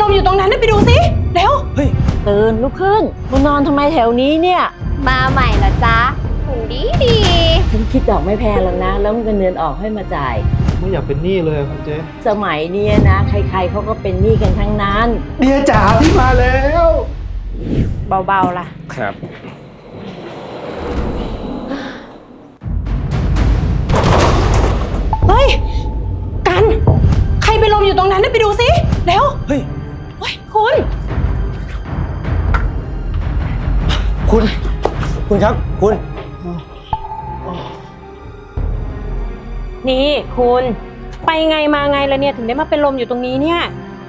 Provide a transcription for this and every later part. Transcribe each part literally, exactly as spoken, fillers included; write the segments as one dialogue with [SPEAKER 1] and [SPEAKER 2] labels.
[SPEAKER 1] มอยู่ตรงนั้นไปดูสิเร็ว
[SPEAKER 2] เฮ้ยตื่นลุกขึ้นมานอนทำไมแถวนี้เนี่ย
[SPEAKER 3] มาใหม่เหรอจ๊ะหุ่นดีดี
[SPEAKER 2] ฉันคิดดอกไม่แพงหรอกนะแล้วเงินเดือนออกให้มาจ่าย
[SPEAKER 4] ไม่อยากเป็นหนี้เลยครับเจ๊
[SPEAKER 2] สมัยนี้นะใครๆเขาก็เป็นหนี้กันทั้งนั้น
[SPEAKER 4] เดียจ๋าพี่มาแล้ว
[SPEAKER 1] เบาๆล่ะ
[SPEAKER 4] ครับ
[SPEAKER 1] เฮ้ยกันใครไปลมอยู่ตรงนั้นไปดูสิเร็ว
[SPEAKER 4] เฮ้ย
[SPEAKER 1] เฮ้ยคุณ
[SPEAKER 4] คุณคุณครับคุณ
[SPEAKER 1] นี่คุณไปไงมาไงแล้วเนี่ยถึงได้มาเป็นลมอยู่ตรงนี้เนี่ย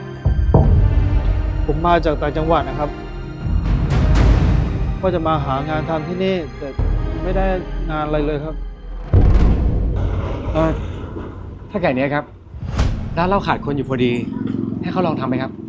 [SPEAKER 4] ผมมาจากต่างจังหวัดนะครับก็จะมาหางานทำที่นี่แต่ไม่ได้งานอะไรเลยครับ
[SPEAKER 5] เออถ้าแก่นี้ครับร้านเราขาดคนอยู่พอดีให้เขาลองทำไหมครับ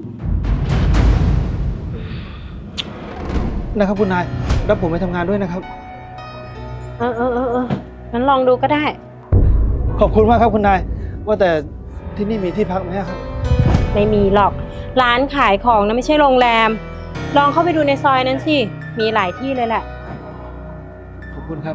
[SPEAKER 4] นะครับคุณนายรับผมไปทำงานด้วยนะครับ
[SPEAKER 1] เออเออเออเอองั้นลองดูก็ได้
[SPEAKER 4] ขอบคุณมากครับคุณนายว่าแต่ที่นี่มีที่พักไหมครับ
[SPEAKER 1] ไม่มีหรอกร้านขายของนะไม่ใช่โรงแรมลองเข้าไปดูในซอยนั้นสิมีหลายที่เลยแหละ
[SPEAKER 4] ขอบคุณครับ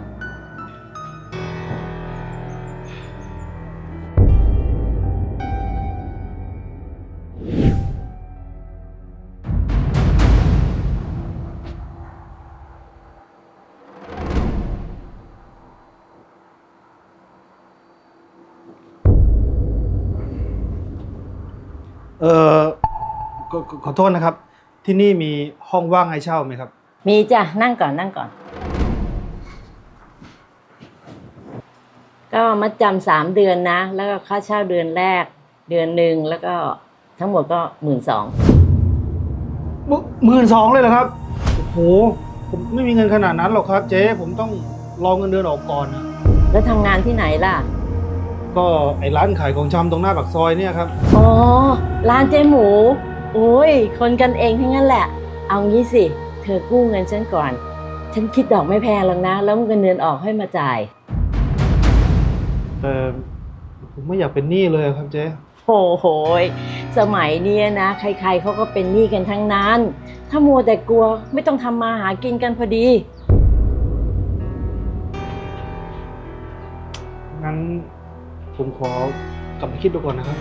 [SPEAKER 4] เออขอโทษนะครับที่นี่มีห้องว่างให้เช่าไหมครับ
[SPEAKER 2] มีจ้ะนั่งก่อนนั่งก่อนก็มัดจำสามเดือนนะแล้วก็ค่าเช่าเดือนแรกเดือนหนึ่งแล้วก็ทั้งหมดก็หมื่นสอง
[SPEAKER 4] หมื่นสองเลยเหรอครับโอ้โหผมไม่มีเงินขนาดนั้นหรอกครับเจ๊ผมต้องรอเงินเดือนออกก่อนนะ
[SPEAKER 2] แล้วทำงานที่ไหนล่ะ
[SPEAKER 4] ก็ไอ้ร้านขายของชำตรงหน้าปากซอยเนี่ยครับ
[SPEAKER 2] อ๋อร้านเจ๊หมูโอ้ยคนกันเองทั้งนั้นแหละเอางี้สิเธอกู้เงินฉันก่อนฉันคิดดอกไม่แพงหรอกนะแล้วเงินเดือนออกให้มาจ่าย
[SPEAKER 4] แต่ผมไม่อยากเป็นหนี้เลยครับเจ๊
[SPEAKER 2] โอ้โหสมัยนี้นะใครๆเขาก็เป็นหนี้กันทั้งนั้นถ้ามัวแต่กลัวไม่ต้องทำมาหากินกันพอดี
[SPEAKER 4] งั้นผมขอกลับไปคิดดูก่อนนะครับ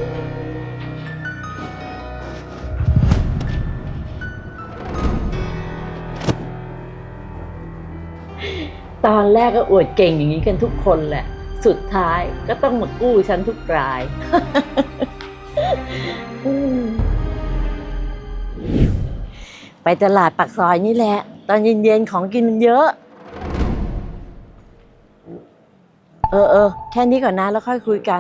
[SPEAKER 2] ตอนแรกก็อวดเก่งอย่างนี้กันทุกคนแหละสุดท้ายก็ต้องมากู้ฉันทุกราย ไปตลาดปากซอยนี่แหละตอนเย็นๆของกินมันเยอะเออเออแค่นี้ก่อนนะแล้วค่อยคุยกัน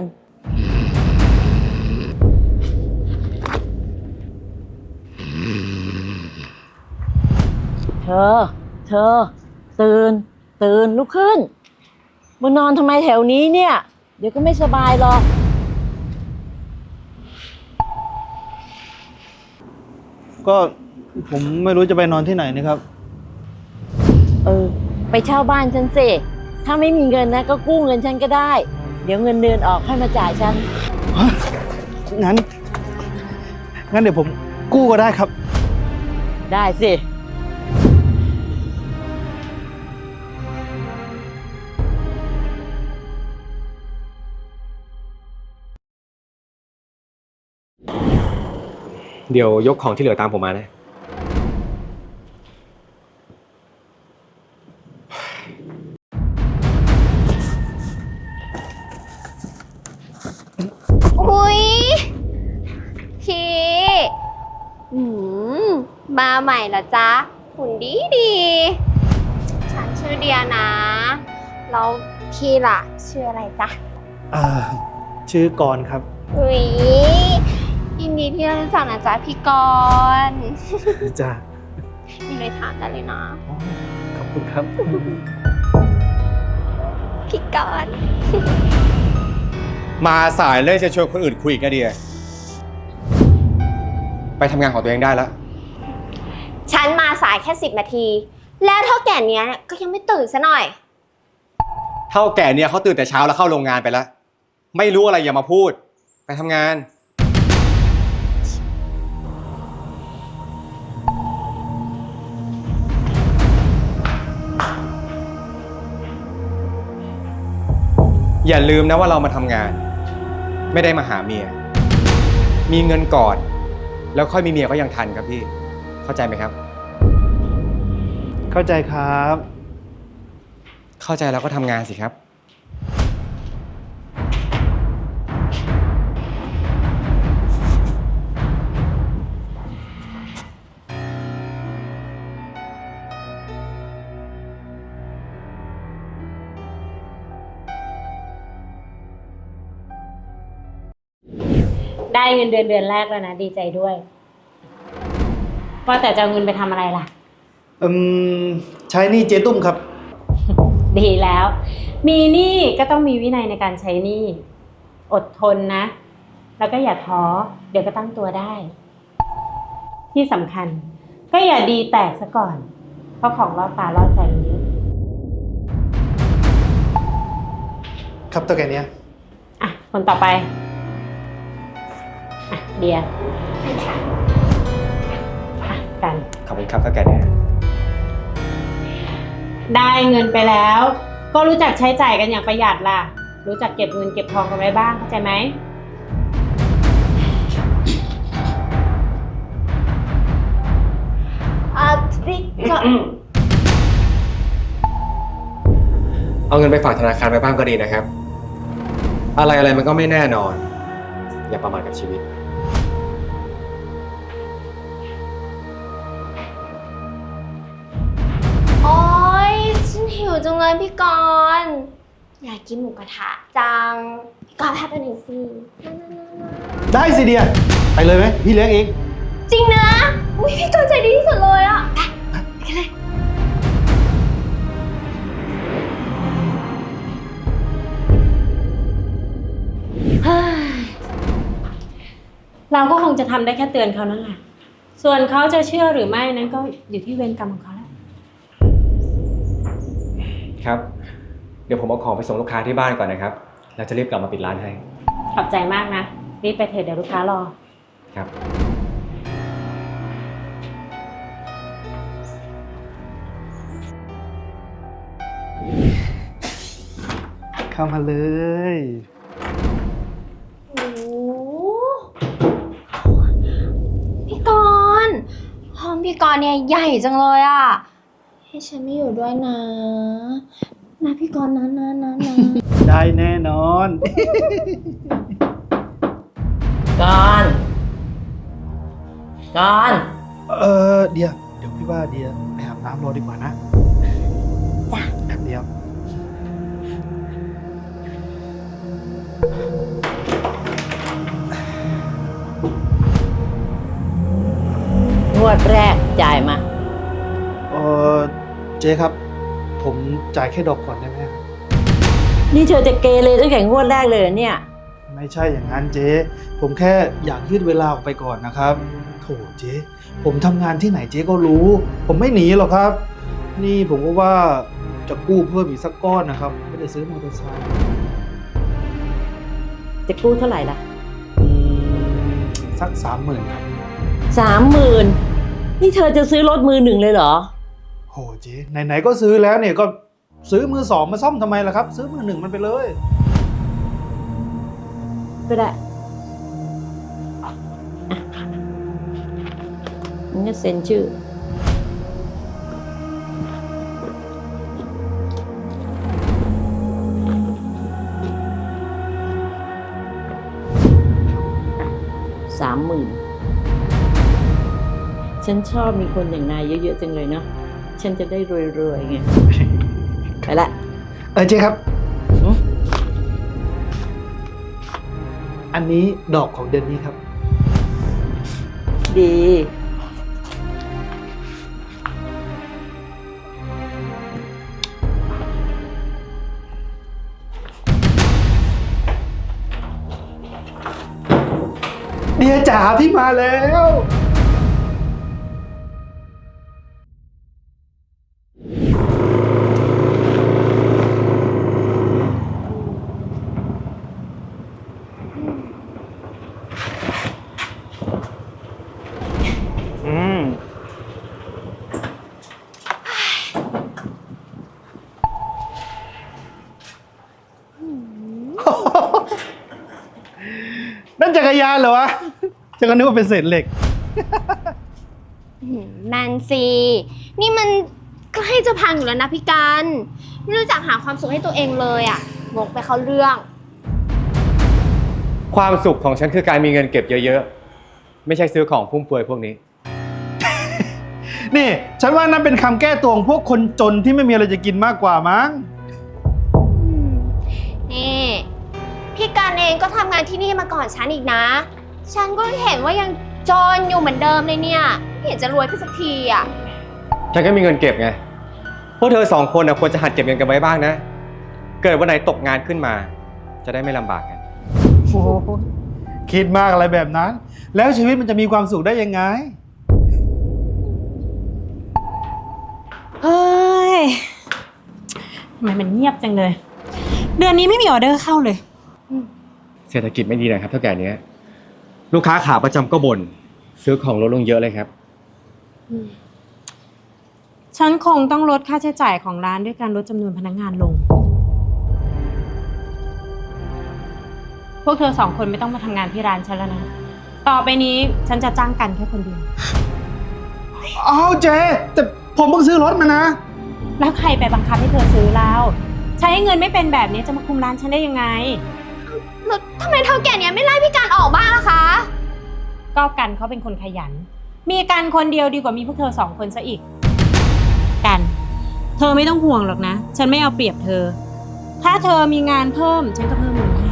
[SPEAKER 2] เธอเธอตื่นตื่นลุกขึ้นมานอนทำไมแถวนี้เนี่ยเดี๋ยวก็ไม่สบายหรอก
[SPEAKER 4] ก็ผมไม่รู้จะไปนอนที่ไหนนะครับ
[SPEAKER 2] เออไปเช่าบ้านฉันสิถ้าไม่มีเงินนะก็กู้เงินฉันก็ได้เดี๋ยวเงินเดือนออกให้มาจ่ายฉัน
[SPEAKER 4] งั้นงั้นเดี๋ยวผมกู้ก็ได้ครับ
[SPEAKER 2] ได้สิ
[SPEAKER 5] เดี๋ยวยกของที่เหลือตามผมมานะ
[SPEAKER 3] อุ้ยพี่อืมมาใหม่เหรอจ๊ะหุ่นดีดีฉันชื่อเดียนะแล้วพี่ล่ะชื่ออะไรจ๊ะ
[SPEAKER 4] อ่าชื่อกรณ์ครับ
[SPEAKER 3] อุ้ยยินดีที่ได้รู้จักนะจ๊ะพี่กรณ์
[SPEAKER 4] จ้า
[SPEAKER 3] มีเลยถามได้เลยนะ
[SPEAKER 4] ขอบคุณครับ
[SPEAKER 3] พี่กรณ์
[SPEAKER 5] มาสายเลยจะชวนคนอื่นคุยอีกนะเดียไปทำงานของตัวเองได้แล้ว
[SPEAKER 3] ฉันมาสายแค่สิบนาทีแล้วเท่าแก่เนี้ยก็ยังไม่ตื่นซะหน่อย
[SPEAKER 5] เท่าแก่เนี่ยเขาตื่นแต่เช้าแล้วเข้าโรงงานไปแล้วไม่รู้อะไรอย่ามาพูดไปทำงานอย่าลืมนะว่าเรามาทำงาน ไม่ได้มาหาเมีย มีเงินก่อน แล้วค่อยมีเมียก็ยังทันครับพี่ เข้าใจไหมครับ
[SPEAKER 4] เข้าใจครับ
[SPEAKER 5] เข้าใจแล้วก็ทำงานสิครับ
[SPEAKER 1] ได้เงินเดือนเดือนแรกแล้วนะดีใจด้วยว่าแต่จะเอาเงินไปทำอะไรล่ะ
[SPEAKER 4] อืม ใช้หนี่เจ๊ตุ้มครับ
[SPEAKER 1] ดีแล้ว มีหนี้ก็ต้องมีวินัยในการใช้หนี้อดทนนะ แล้วก็อย่าท้อเดี๋ยวก็ตั้งตัวได้ ที่สำคัญ ก็อย่าดีแตกซะก่อน เพราะของล่อตาล่อใจมันเยอะ
[SPEAKER 4] ครับตัวแกเนี้ย
[SPEAKER 1] อ่ะคนต่อไปอ่ะเดียอ่ะกัน
[SPEAKER 5] ขอบคุณครับเท่าแก่เนี่ย
[SPEAKER 1] ได้เงินไปแล้ว ก็รู้จักใช้จ่ายกันอย่างประหยัดล่ะ รู้จักเก็บเงินเก็บทองกันไว้บ้างเข้าใจไหม
[SPEAKER 3] อ่ะพี่ก็
[SPEAKER 5] เอาเงินไปฝากธนาคารไว้บ้างก็ดีนะครับ อะไรอะไรมันก็ไม่แน่นอน อย่าประมาทกับชีวิต
[SPEAKER 3] โอ๊ยฉันหิวจังเลยพี่กรณ์อยากกินหมูกระทะจัง พี่กรณ์พาไปหน่อยสิ
[SPEAKER 4] ได้สิเดีย ไปเลยไหมพี่เลี้ยงเอง
[SPEAKER 3] จริงนะอุ้ยพี่กรณ์ใจดีที่สุดเลยอ่ะไปไปกันเลย
[SPEAKER 1] เฮ้ยเราก็คงจะทำได้แค่เตือนเขานั่นแหละ ส่วนเขาจะเชื่อหรือไม่นั้นก็อยู่ที่เวรกรรมของเขาแล้ว
[SPEAKER 5] ครับ เดี๋ยวผมเอาของไปส่งลูกค้าที่บ้านก่อนนะครับ แล้วจะรีบกลับมาปิดร้านให้
[SPEAKER 1] ขอบใจมากนะ รีบไปเถอะเดี๋ยวลูกค้ารอ
[SPEAKER 5] ครับ
[SPEAKER 4] เข้ามาเลย
[SPEAKER 3] โอ้โหพี่กรณ์ห้องพี่กรณ์เนี่ยใหญ่จังเลยอ่ะ ให้ฉันไม่อยู่ด้วยนะ นะพี่กรณ์นะนะนะนะ
[SPEAKER 4] ได้แน่นอน
[SPEAKER 2] ก่อนก่อน
[SPEAKER 4] เออเดีย เดี๋ยวพี่ว่าเดียไปอาบน้ำรอดีกว่านะ
[SPEAKER 3] จ้ะ
[SPEAKER 4] แป๊บเดียว
[SPEAKER 2] งวดแรกจ่ายมา
[SPEAKER 4] เออเจ๊ครับ ผมจ่ายแค่ดอกก่อนได้ไหมครับ
[SPEAKER 2] นี่เธอจะเกเรตั้งแต่งวดแรกเลยเหรอเนี่ย
[SPEAKER 4] ไม่ใช่อย่างนั้นเจ๊ ผมแค่อยากยืดเวลาออกไปก่อนนะครับ โถเจ๊ ผมทำงานที่ไหนเจ๊ก็รู้ ผมไม่หนีหรอกครับ นี่ผมก็ว่าจะกู้เพิ่มอีกสักก้อนนะครับไม่ได้ซื้อมอเตอร์ไซค์
[SPEAKER 2] จะกู้เท่าไหร่ล่ะ
[SPEAKER 4] อืมสักสามหมื่นครับ
[SPEAKER 2] สามหมื่นนี่เธอจะซื้อรถมือหนึ่งเลยเหรอ
[SPEAKER 4] โหเจ๊ไหนๆก็ซื้อแล้วเนี่ยก็ซื้อมือสองมาซ่อมทำไมล่ะครับ ซื้อมือหนึ่งมันไปเลย
[SPEAKER 2] ก็ได้อ่ะงั้นก็เซ็นชื่อ สามหมื่นฉันชอบมีคนอย่างนายเยอะๆจังเลยเนาะ ฉันจะได้รวยๆไง ไปละ
[SPEAKER 4] เออเจ๊ครับ
[SPEAKER 2] หึ
[SPEAKER 4] อันนี้ดอกของเดือนนี้ครับ
[SPEAKER 2] ดี
[SPEAKER 4] เดียจ๋าพี่มาแล้ว อืม
[SPEAKER 3] อืม
[SPEAKER 4] ฉันก็นึกว่าเป็นเศษเหล็ก
[SPEAKER 3] หืมนั่นสินี่มันใกล้จะพังอยู่แล้วนะพี่กันไม่รู้จักหาความสุขให้ตัวเองเลยอะงกไปเข้าเรื่อง
[SPEAKER 5] ความสุขของฉันคือการมีเงินเก็บเยอะๆ ไม่ใช่ซื้อของฟุ่มเฟือยพวกนี้
[SPEAKER 4] นี่ ฉันว่านั่นเป็นคำแก้ตัวของพวกคนจนที่ไม่มีอะไรจะกินมากกว่ามั้ง
[SPEAKER 3] นี่พี่การเองก็ทำงานที่นี่มาก่อนฉันอีกนะ ฉันก็เห็นว่ายังจนอยู่เหมือนเดิมเลยเนี่ยไม่เห็นจะรวยขึ้นสักทีอ่ะ
[SPEAKER 5] ฉันก็มีเงินเก็บไง พวกเธอสองคนนะควรจะหัดเก็บเงินกันไว้บ้างนะ เกิดวันไหนตกงานขึ้นมา จะได้ไม่ลำบากกัน
[SPEAKER 4] โอ้โหคิดมากอะไรแบบนั้น แล้วชีวิตมันจะมีความสุขได้ยังไง
[SPEAKER 1] เฮ้ยทำไมมันเงียบจังเลย เดือนนี้ไม่มีออเดอร์เข้าเลย
[SPEAKER 5] เศรษฐกิจไม่ดีนะครับเท่าแก่นี้ลูกค้าขาประจำก็บ่นซื้อของลดลงเยอะเลยครับ
[SPEAKER 1] ฉันคงต้องลดค่าใช้จ่ายของร้านด้วยการลดจำนวนพนักงานลง พวกเธอสองคนไม่ต้องมาทำงานที่ร้านฉันแล้วนะ ต่อไปนี้ฉันจะจ้างกันแค่คนเดียว
[SPEAKER 4] อ้าวเจ๊แต่ผมเพิ่งซื้อรถมานะ
[SPEAKER 1] แล้วใครไปบังคับให้เธอซื้อแล้วใช้เงินไม่เป็นแบบนี้จะมาคุมร้านฉันได้ยังไง
[SPEAKER 3] แล้วทำไมเท่าแก่เนี้ยไม่ไล่พี่การออกบ้างล่ะคะ
[SPEAKER 1] ก็กันเขาเป็นคนขยัน มีกันคนเดียวดีกว่ามีพวกเธอสองคนซะอีก กัน เธอไม่ต้องห่วงหรอกนะ ฉันไม่เอาเปรียบเธอ ถ้าเธอมีงานเพิ่มฉันก็เพิ่มเงินให้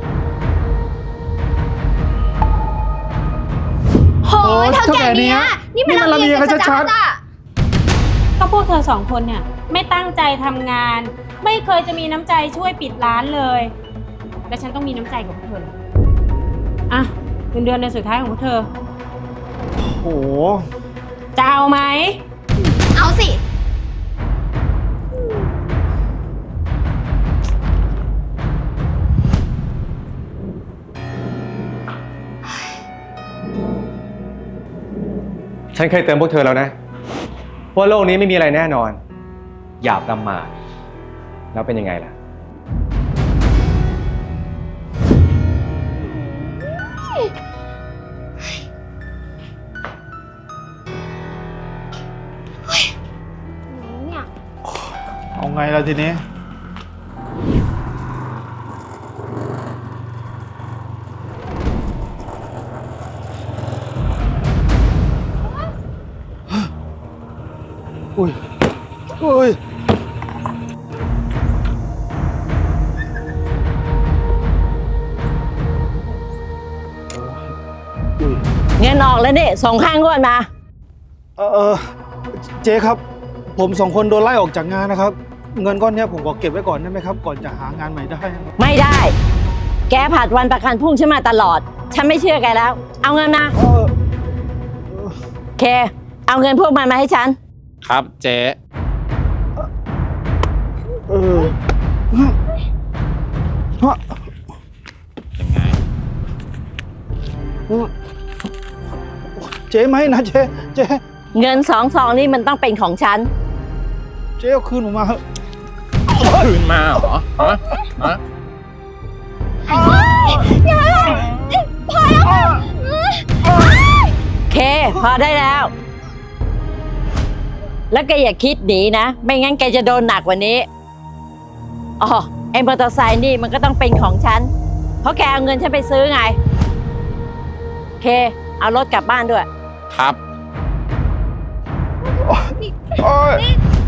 [SPEAKER 3] โหยเท่าแก่เนี้ยนี่มันลำเอียงกันชัดๆอะ
[SPEAKER 1] ก็พวกเธอสองคนเนี่ยไม่ตั้งใจทำงาน ไม่เคยจะมีน้ำใจช่วยปิดร้านเลย และฉันต้องมีน้ำใจกับพวกเธอเหรออ่ะเงินเดือนเดือนสุดท้ายของพวกเธอ
[SPEAKER 4] โอ้โห
[SPEAKER 1] จะเอาไหม
[SPEAKER 3] เอาสิ
[SPEAKER 5] ฉันเคยเตือนพวกเธอแล้วนะว่าโลกนี้ไม่มีอะไรแน่นอน อย่าประมาทแล้วเป็นยังไงล่ะ
[SPEAKER 3] เนี่ย
[SPEAKER 4] เอาไงล่ะทีนี้ อุ้ย อุ้ย
[SPEAKER 2] เงินออกแล้วนี่ส่งข้างงวดมา
[SPEAKER 4] เออเออเจ๊ครับ ผมสองคนโดนไล่ออกจากงานนะครับ เงินก้อนเนี้ยผมขอเก็บไว้ก่อนได้ไหมครับ ก่อนจะหางานใหม่ได้นะครับ
[SPEAKER 2] ไม่ได้ แกผัดวันประกันพรุ่งฉันมาตลอด ฉันไม่เชื่อแกแล้ว เอาเงินมา
[SPEAKER 4] เออ
[SPEAKER 2] เค เอาเงินพวกมันมาให้ฉัน
[SPEAKER 6] ครับเจ๊
[SPEAKER 4] เออฮะ
[SPEAKER 6] ยังไง
[SPEAKER 4] เจ๊ไหมนะเจ๊เจ๊
[SPEAKER 2] เงินสองซองนี่มันต้องเป็นของฉัน
[SPEAKER 4] เจ๊เอาคืนผมมาเถอะ
[SPEAKER 6] คืนมาเหรอฮะฮะ
[SPEAKER 2] เค พอได้แล้ว แล้วแกอย่าคิดหนีนะ ไม่งั้นแกจะโดนหนักกว่านี้อ๋อไอ้มอเตอร์ไซค์นี่มันก็ต้องเป็นของฉัน เพราะแกเอาเงินฉันไปซื้อไง เค เอารถกลับบ้านด้วย
[SPEAKER 6] ครับ
[SPEAKER 4] โอ๊ย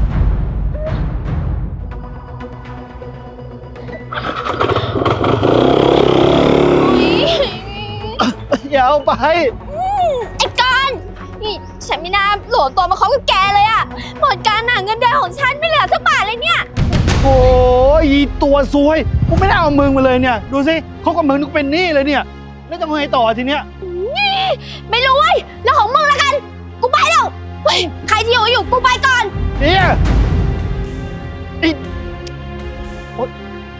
[SPEAKER 4] อย่าเอาไป
[SPEAKER 3] ไอ้การนี่ฉันไม่น่าโหลดตัวมาคบกับแกเลยอะหมดการหนาเงินเดือนของฉันไม่เหลือสักบาทเลยเนี่ย
[SPEAKER 4] โอ้ยอีตัวซวยกูไม่ได้เอามึงมาเลยเนี่ย ดูสิเขากับมึงนึกเป็นหนี้เลยเนี่ย แล้วจะมาไงต่อทีเนี้ย
[SPEAKER 3] ไม่รู้เว้ยเรื่องของมึงละกัน กูไปแล้วเฮ้ยใครที่อยู่อยู่กูไปก่อน
[SPEAKER 4] เนี่ยอีโอ๊ย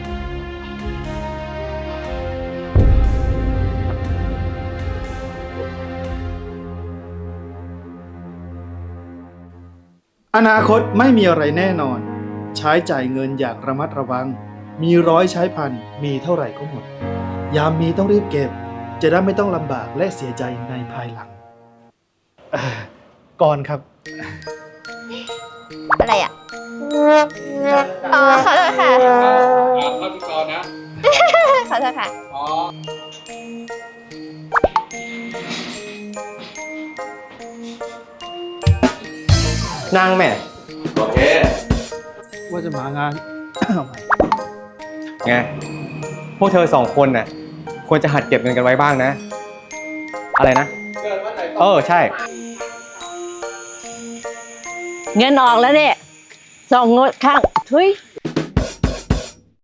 [SPEAKER 4] อนาคตไม่มีอะไรแน่นอน ใช้จ่ายเงินอย่างระมัดระวัง มีร้อยใช้พัน มีเท่าไหร่ก็หมด ยามมีต้องรีบเก็บจะได้ไม่ต้องลำบากและเสียใจในภายหลังเอ่อก่อนครับ
[SPEAKER 3] อะไรอ่ะ อ๋อขอโทษค่ะ
[SPEAKER 5] เข้าที่กรนะ
[SPEAKER 3] ขอโทษค่ะ
[SPEAKER 5] อ๋อ นั่งแม่ โอเค
[SPEAKER 4] ว่าจะมางาน
[SPEAKER 5] ไง พวกเธอสองคนน่ะ ควรจะหัดเก็บเงินกันไว้บ้างนะ อะไรนะ เออ ใช่
[SPEAKER 2] เงินออกแล้วเนี่ยส่งงดข้างทุย